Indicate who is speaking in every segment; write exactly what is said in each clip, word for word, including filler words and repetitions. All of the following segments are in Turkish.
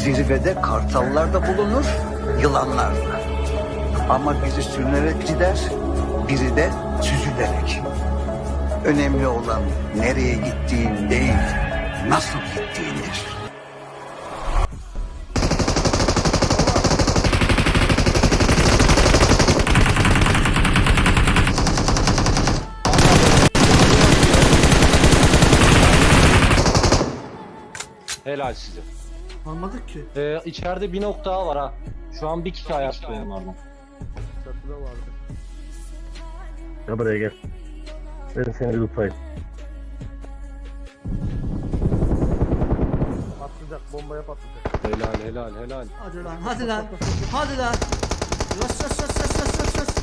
Speaker 1: Zirvede kartallar da bulunur, yılanlar da. Ama biri sürünerek gider, biri de süzülerek. Önemli olan nereye gittiğin değil, nasıl gittiğindir.
Speaker 2: Helal size.
Speaker 3: Almadık ki.
Speaker 2: Ee, içeride bir nokta daha var ha. Şu an bir kişi ayakta onlardan.
Speaker 4: Çatıda vardı.
Speaker 5: Gel buraya gel. Ben seni bir tutayım.
Speaker 4: Patlayacak, bombaya patlayacak.
Speaker 2: Helal helal helal.
Speaker 3: Hadi lan, hadi lan. Hadi lan. Yas yas yas yas yas yas yas.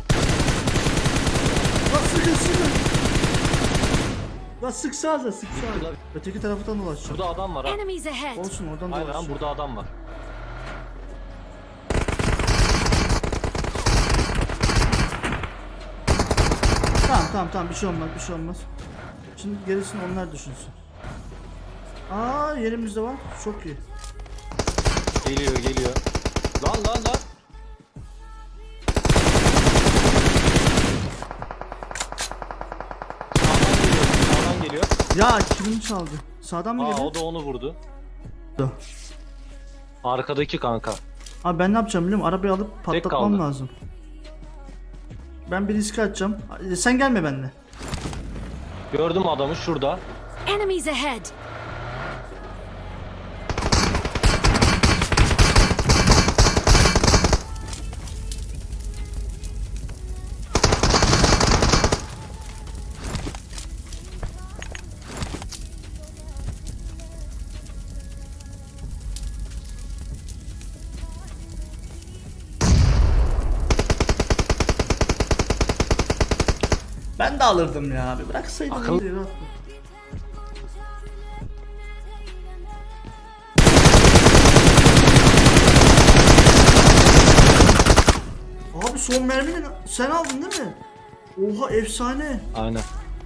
Speaker 3: Lan sıkın sıkın. Lan sıksanıza sıksanıza. Öteki taraftan ulaşacağım.
Speaker 2: Burada adam var ha.
Speaker 6: Enemies ahead.
Speaker 3: Olsun oradan da
Speaker 2: Aynen
Speaker 3: ulaşacağım.
Speaker 2: burada adam var.
Speaker 3: Tamam tamam tamam bir şey olmaz bir şey olmaz. Şimdi gerisini onlar düşünsün. Aa yerimizde var. Çok iyi.
Speaker 2: Geliyor geliyor. Lan lan lan. Sağdan geliyor. Sağdan geliyor.
Speaker 3: Ya kimin çaldı? Sağdan mı
Speaker 2: Aa
Speaker 3: geliyor?
Speaker 2: o da onu vurdu.
Speaker 3: Da.
Speaker 2: Arkadaki kanka.
Speaker 3: Abi ben ne yapacağım biliyor musun? Arabayı alıp patlatmam
Speaker 2: kaldı.
Speaker 3: lazım. Ben bir riske atacağım. Sen gelme benimle.
Speaker 2: Gördüm adamı şurada.
Speaker 6: Enemies ahead.
Speaker 3: Ben de alırdım ya abi. Bıraksaydım.
Speaker 2: Akıl-
Speaker 3: iyiydi, rahat. Abi son mermini sen aldın değil mi? Oha efsane.
Speaker 2: Aynen.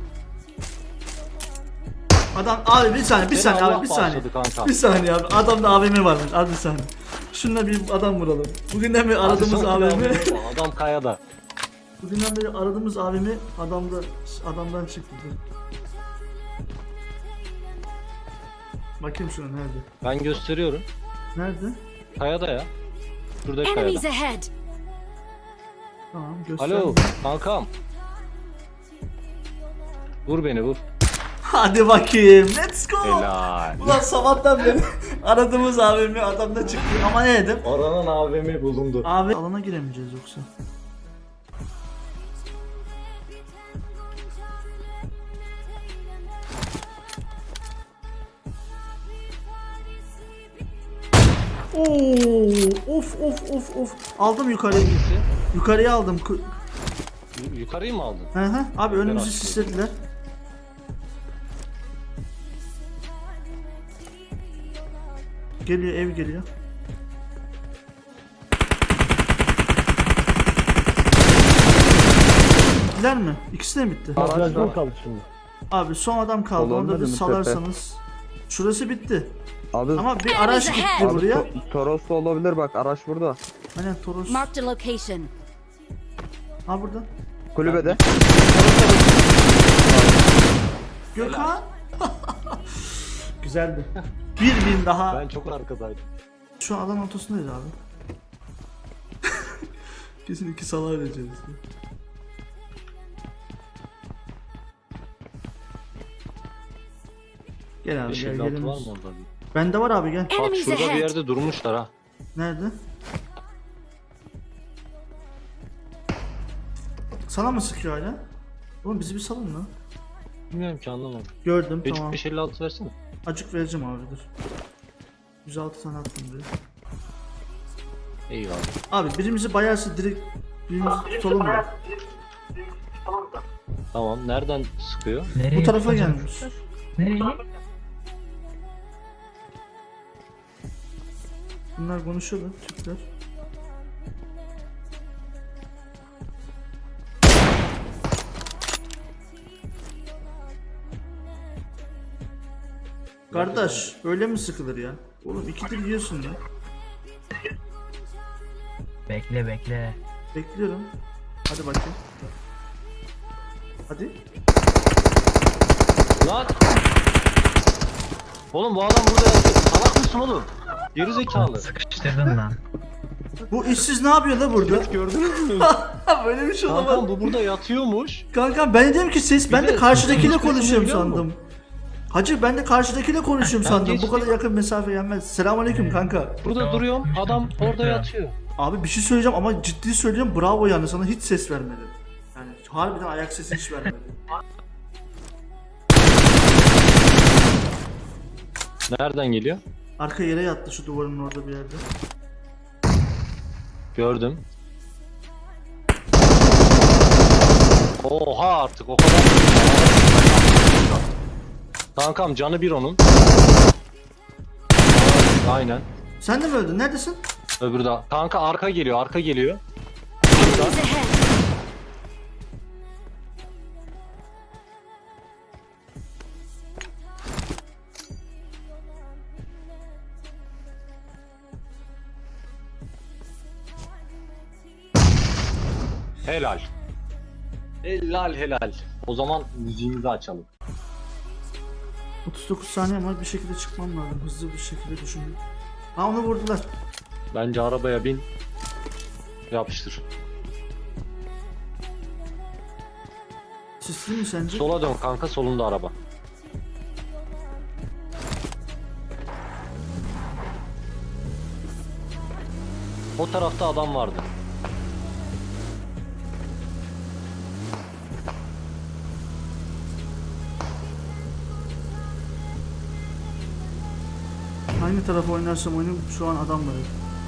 Speaker 3: Adam abi bir saniye bir
Speaker 2: Seni
Speaker 3: saniye
Speaker 2: Allah
Speaker 3: abi bir saniye.
Speaker 2: bağışladı kanka.
Speaker 3: Bir saniye abi. Adamda A V M varmış. Abi bir saniye. Şununla bir adam vuralım. Bugünden beri aradığımız A V M.
Speaker 2: Adam kayada.
Speaker 3: Bugünden beri aradığımız A V M adamda adamdan çıktı. Bakayım şuna nerede?
Speaker 2: Ben gösteriyorum.
Speaker 3: Nerede?
Speaker 2: Kayada ya. Şuradaki
Speaker 6: Enemies
Speaker 2: kayada.
Speaker 6: ahead.
Speaker 3: Tamam göster.
Speaker 2: Alo kankam. Vur beni vur.
Speaker 3: Hadi bakayım. Let's go.
Speaker 2: Helal.
Speaker 3: Ulan sabahtan beri aradığımız A V M adamda çıktı. Ama ne dedim?
Speaker 2: Oranın A V M bulundu.
Speaker 3: Abi alana giremeyeceğiz yoksa. Oo, of of of of. Aldım yukarıya.
Speaker 2: Hangisi?
Speaker 3: Yukarıya aldım. Ku-
Speaker 2: Yu- Yukarıyı mı aldın?
Speaker 3: Hı hı. Abi önümüzü
Speaker 2: açtım.
Speaker 3: sislediler. Geliyor ev geliyor. Bittiler mi? İkisi de mi bitti?
Speaker 5: Biraz mı kaldı şimdi?
Speaker 3: Abi son adam kaldı.
Speaker 4: Olur
Speaker 3: Onu da
Speaker 4: mu
Speaker 3: bir
Speaker 4: dedim,
Speaker 3: salarsanız. Şurası bitti.
Speaker 4: Abi,
Speaker 3: Ama bir araç
Speaker 6: Enemies
Speaker 3: gitti
Speaker 6: ahead.
Speaker 4: abi
Speaker 3: buraya.
Speaker 4: To- Toros'ta olabilir bak, araç burada.
Speaker 3: Aynen Toros.
Speaker 6: Marked a location.
Speaker 3: Ha burada.
Speaker 4: Kulübede.
Speaker 3: Gökhan. Güzeldi. Bir bin daha.
Speaker 2: Ben çok arkadaydım.
Speaker 3: Şu an alan ortasındayız abi. Kesin iki salağa vereceğiz. Gel abi
Speaker 2: beş
Speaker 3: gel
Speaker 2: elli altı
Speaker 3: gelin.
Speaker 2: var mı orada? bir?
Speaker 3: Bende var abi gel.
Speaker 2: Bak
Speaker 6: Enemies
Speaker 2: şurada bir
Speaker 6: ahead.
Speaker 2: yerde durmuşlar ha.
Speaker 3: Nerede? Sana mı sıkıyor hala? Oğlum bizi bir salın lan.
Speaker 2: Bilmiyorum ki anlamadım.
Speaker 3: Gördüm
Speaker 2: Hiç
Speaker 3: tamam.
Speaker 2: beş elli altı versene.
Speaker 3: Acık vereceğim abi dur. yüz altı tane attım diye.
Speaker 2: Eyvallah.
Speaker 3: Abi birimizi bayarsa direkt birimizi tutalım mı?
Speaker 2: Tamam nereden sıkıyor?
Speaker 3: Bu tarafa gelmiş. Bunlar konuşuyorlar Türkler. Kardeş öyle mi sıkılır ya? Oğlum ikidir yiyorsun ya.
Speaker 7: Bekle bekle.
Speaker 3: Bekliyorum. Hadi bakayım. Hadi.
Speaker 2: Lan! Oğlum bu adam burada yatıyor. Salak mısın oğlum? Geri zekalı.
Speaker 7: Sıkıştırdın lan.
Speaker 3: Bu işsiz ne yapıyor da burada?
Speaker 2: Gördünüz mü?
Speaker 3: Böyle bir şey
Speaker 2: Kankam
Speaker 3: olamaz.
Speaker 2: bu burada yatıyormuş.
Speaker 3: Kankam ben de dedim ki ses ben
Speaker 2: Bir
Speaker 3: de
Speaker 2: de
Speaker 3: karşıdakiyle
Speaker 2: sesini
Speaker 3: konuşuyorum
Speaker 2: biliyor musun?
Speaker 3: sandım. Hacı ben de karşıdakiyle konuşuyorum
Speaker 2: Ben
Speaker 3: sandım. Bu
Speaker 2: geçtim.
Speaker 3: kadar yakın mesafe yenmez. Selamünaleyküm kanka.
Speaker 2: Burada
Speaker 7: Tamam.
Speaker 2: duruyorum. Adam orada yatıyor.
Speaker 3: Abi bir şey söyleyeceğim ama ciddi söylüyorum bravo yani sana hiç ses vermedi. Yani harbiden ayak sesi hiç vermedi.
Speaker 2: Nereden geliyor?
Speaker 3: Arka yere yattı şu duvarın orada bir yerde.
Speaker 2: Gördüm. Oha artık o kadar. Kankam canı bir onun. Aynen.
Speaker 3: Sen de mi öldün? Neredesin?
Speaker 2: Öbürü de. Kanka arka geliyor, arka geliyor.
Speaker 6: Enemies ahead!
Speaker 2: Helal. Helal helal. O zaman müziğimizi açalım.
Speaker 3: otuz dokuz saniye var bir şekilde çıkmam lazım. Hızlı bir şekilde düşünüyorum. Ha onu vurdular.
Speaker 2: Bence arabaya bin. Yapıştır.
Speaker 3: Sisli mi sence?
Speaker 2: Sola dön kanka, solunda araba. O tarafta adam vardı.
Speaker 3: Hangi tarafa oynarsam oynayayım şu an adam var.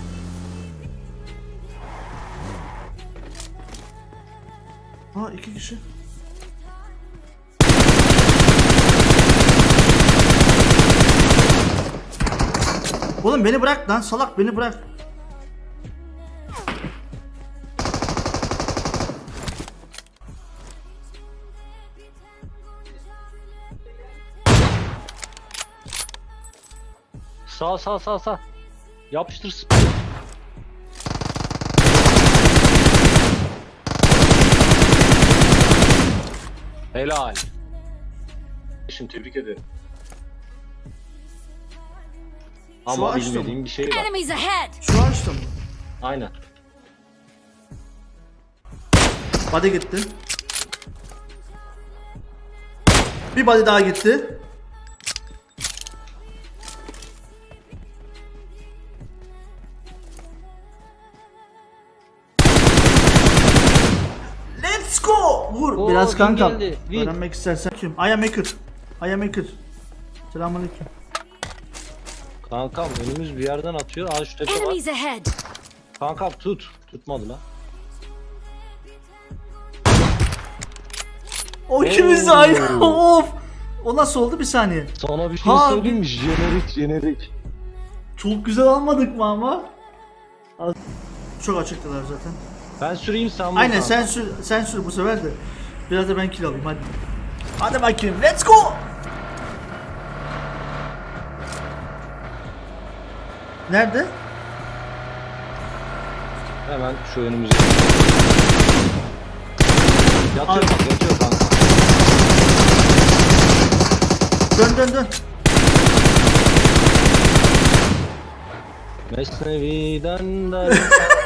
Speaker 3: Aa iki kişi. Oğlum beni bırak lan salak beni bırak.
Speaker 2: Sağ sağ sağ sağ. Yapıştır. Helal. Şimdi tebrik ederim. Ama
Speaker 3: açtım.
Speaker 2: bilmediğim bir şey var.
Speaker 6: Enemies ahead!
Speaker 3: Şu açtım.
Speaker 2: Aynen.
Speaker 3: Body gitti. Bir body daha gitti. Let's go! Vur
Speaker 2: Oo,
Speaker 3: biraz
Speaker 2: win
Speaker 3: kankam.
Speaker 2: geldi, win.
Speaker 3: Öğrenmek istersen kim? I am maker. I am maker. Selamünaleyküm.
Speaker 2: Kankam önümüz bir yerden atıyor. Aa şu tepe var.
Speaker 6: Enemies ahead!
Speaker 2: Kankam tut. Tutmadı lan.
Speaker 3: O ikimiz de aynı. Of! O nasıl oldu bir saniye?
Speaker 2: Sana bir şey
Speaker 3: Ha,
Speaker 2: söyleyeyim mi? Jenerik jenerik.
Speaker 3: Çok güzel almadık mı ama? Çok açıktılar zaten.
Speaker 2: Ben süreyim sen vur
Speaker 3: Aynen
Speaker 2: kanka.
Speaker 3: sen sür, sen sür bu sefer de. Biraz da ben kill alayım hadi. Hadi bakayım let's go. Nerede?
Speaker 2: Hemen şu önümüze. Yatıyor
Speaker 3: Abi.
Speaker 2: bak, yatıyor kanka.
Speaker 3: Dön dön dön.
Speaker 2: Mesnevi'den de